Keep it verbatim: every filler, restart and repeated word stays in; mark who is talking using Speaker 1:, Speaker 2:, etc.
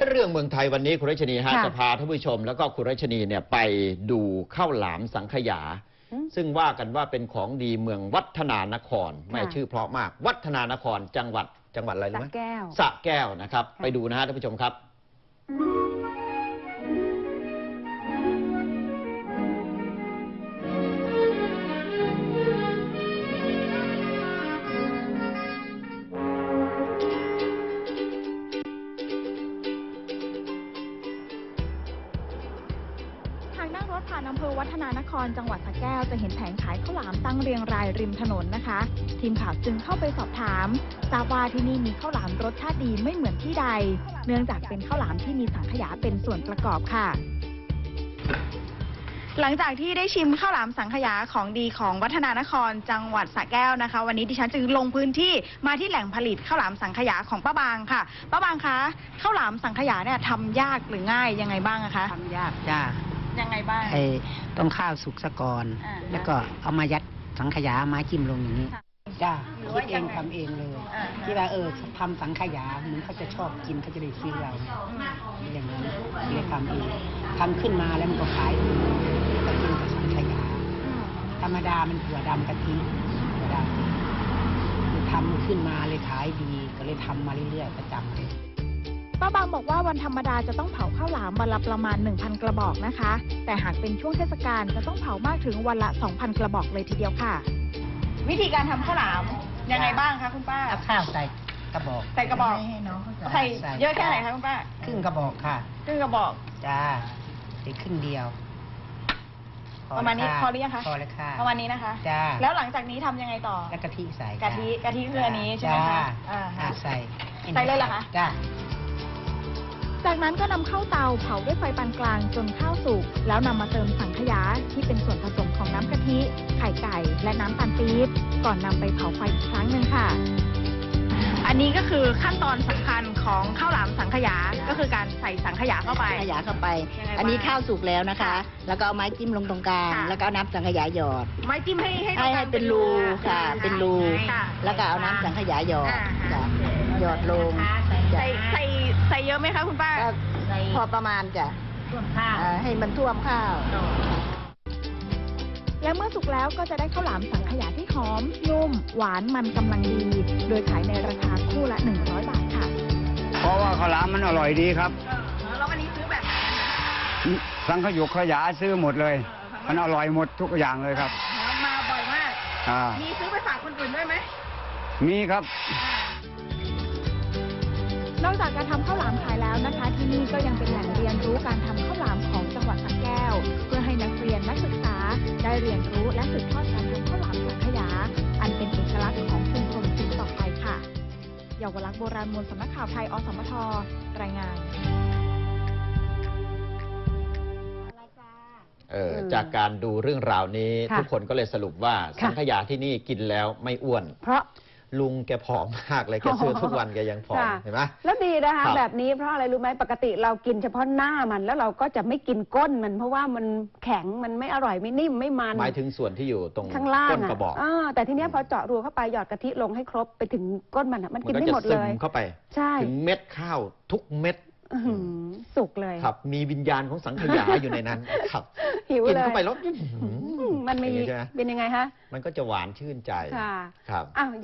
Speaker 1: เรื่องเมืองไทยวันนี้คุณรัชนีฮะจะพาท่านผู้ชมแล้วก็คุณรัชนีเนี่ยไปดูข้าวหลามสังขยาซึ่งว่ากันว่าเป็นของดีเมืองวัฒนานครไม่ชื่อเพราะมากวัฒนานครจังหวัดจังหวัดอะไรรู้ไหมสระแก้วสระแก้วนะครับไปดูนะฮะท่านผู้ชมครับ
Speaker 2: นั่งรถผ่านอำเภอวัฒนานครจังหวัดสระแก้วจะเห็นแผงขายข้าวหลามตั้งเรียงรายริมถนนนะคะทีมข่าวจึงเข้าไปสอบถามทราบว่าที่นี่มีข้าวหลามรสชาติดีไม่เหมือนที่ใดเนื่องจากเป็นข้าวหลามที่มีสังขยาเป็นส่วนประกอบค่ะหลังจากที่ได้ชิมข้าวหลามสังขยาของดีของวัฒนานครจังหวัดสระแก้วนะคะวันนี้ดิฉันจึงลงพื้นที่มาที่แหล่งผลิตข้าวหลามสังขยาของป้าบางค่ะป้าบางคะข้าวหลามสังขยาเนี่ยทำยากหรือง่ายยังไงบ้างอะคะ
Speaker 3: ทำยากจ้า
Speaker 2: ยังไงบ้าง
Speaker 3: ไอ้ต้องข้าวสุกซะก่อนแล้วก็เอามายัดสังขยามาจิ้มลงอย่างนี้จ้าคิดเองทำเองเลยที่ว่าเออทำสังขยาเหมือนเขาจะชอบกินเขาจะได้ซื้อเราอย่างนั้นเลยทำเองทำขึ้นมาแล้วมันก็ขายดีก็กินกับสังขยาธรรมดามันถั่วดำกะทิถั่วดำทำขึ้นมาเลยขายดีก็เลยทำมาเรื่อยๆประจำเลย
Speaker 2: ป้าบางบอกว่าวันธรรมดาจะต้องเผาข้าวหลามวันละประมาณ หนึ่งพัน กระบอกนะคะแต่หากเป็นช่วงเทศกาลจะต้องเผามากถึงวันละ สองพัน กระบอกเลยทีเดียวค่ะวิธีการทำข้าวหลามยังไงบ้างคะคุณป้า
Speaker 3: เอาข้าวใส่กระบอก
Speaker 2: ใส่กระบอกใส่เยอะแค่ไหนคะคุณป้า
Speaker 3: ครึ่งกระบอกค่ะ
Speaker 2: ครึ่งกระบอก
Speaker 3: จ้าใส่ครึ่งเดียว
Speaker 2: ประมาณนี้พอหรือยังคะ
Speaker 3: พอแล้วค่ะ
Speaker 2: ประมาณนี้นะคะ
Speaker 3: จ้า
Speaker 2: แล้วหลังจากนี้ทำยังไงต่อ
Speaker 3: แล้วกะทิใส่
Speaker 2: กะทิกะทิคืออันนี้ใช่ไหมคะ
Speaker 3: อ่าใส่
Speaker 2: ใส่เลยเหรอคะ
Speaker 3: จ้า
Speaker 2: จากนั้นก็นำเข้าเตาเผาด้วยไฟปานกลางจนข้าวสุกแล้วนำมาเติมสังขยาที่เป็นส่วนผสมของน้ำกะทิไข่ไก่และน้ำตาลปี๊บก่อนนำไปเผาไฟอีกครั้งหนึ่งค่ะอันนี้ก็คือขั้นตอนสำคัญของข้าวหลามสังขยาก็คือการใส่สังขยาเข้าไป
Speaker 3: สังขยาเข้าไปอันนี้ข้าวสุกแล้วนะคะแล้วก็เอาไม้จิ้มลงตรงกลางแล้วก็เอาน้ำสังขยาหยอด
Speaker 2: ไม้จิ้มให้ให้
Speaker 3: ให้เป็นรูค่ะเป็นรูแล้วก็เอาน้ำสังขยาหยอดหยอดลง
Speaker 2: ใส่ใส่ใส่เยอะไหมคะคุณป้า
Speaker 3: พอประมาณจ้ะให้มันท่วมข้าว
Speaker 2: และเมื่อสุกแล้วก็จะได้ข้าวหลามสังขยาที่หอมนุ่มหวานมันกำลังดีโดยขายในราคาคู่ละหนึ่งร้อยบาทค่ะ
Speaker 4: เพราะว่าข้าวหลามมันอร่อยดีครับ
Speaker 2: แล้ววันนี้ซื้อแบบ
Speaker 4: สังขยุกขยาซื้อหมดเลยมันอร่อยหมดทุกอย่างเลยครับ
Speaker 2: มาบ่อยมากมีซื้อไปฝากคนอื่นด้วยไหม
Speaker 4: มีครับ
Speaker 2: นอกจากการทำข้าวหลามขายแล้วนะคะที่นี่ก็ยังเป็นแหล่งเรียนรู้การทำข้าวหลามของจังหวัดสระแก้วเพื่อให้นักเรียนนักศึกษาได้เรียนรู้และสืบทอดการทำข้าวหลามสังขยาอันเป็นเอกลักษณ์ของชุมชนสืบต่อไปค่ะเยาวลักษณ์โบราณมูลสำนักข่าวไทยอสมทรายงาน
Speaker 1: เออจากการดูเรื่องราวนี้ทุกคนก็เลยสรุปว่าสังขยาที่นี่กินแล้วไม่อ้วนเพราะลุงแกผอมมากเลยแกซื้อทุกวันแกยังผอมเห็นไหม
Speaker 5: แล้วดีนะคะแบบนี้เพราะอะไรรู้ไหมปกติเรากินเฉพาะหน้ามันแล้วเราก็จะไม่กินก้นมันเพราะว่ามันแข็งมันไม่อร่อยไม่นิ่มไม่มัน
Speaker 1: หมายถึงส่วนที่อยู่ตรง
Speaker 5: ข้างล่าง
Speaker 1: ก้นกระบอก
Speaker 5: แต่ทีนี้พอเจาะรูเข้าไปหยอดกะทิลงให้ครบไปถึงก้นมันมันกินไม่หมดเลย
Speaker 1: เข้าไป
Speaker 5: ใช่
Speaker 1: ถึงเม็ดข้าวทุกเม็ด
Speaker 5: สุกเลย
Speaker 1: ครับมีวิญญาณของสังขยาอยู่ในนั้นครับ
Speaker 5: หิวเลยกิน
Speaker 1: เข้าไปแล้ว
Speaker 5: มันมีเป็นยังไงฮะ
Speaker 1: มันก็จะหวานชื่นใจ
Speaker 5: ครับ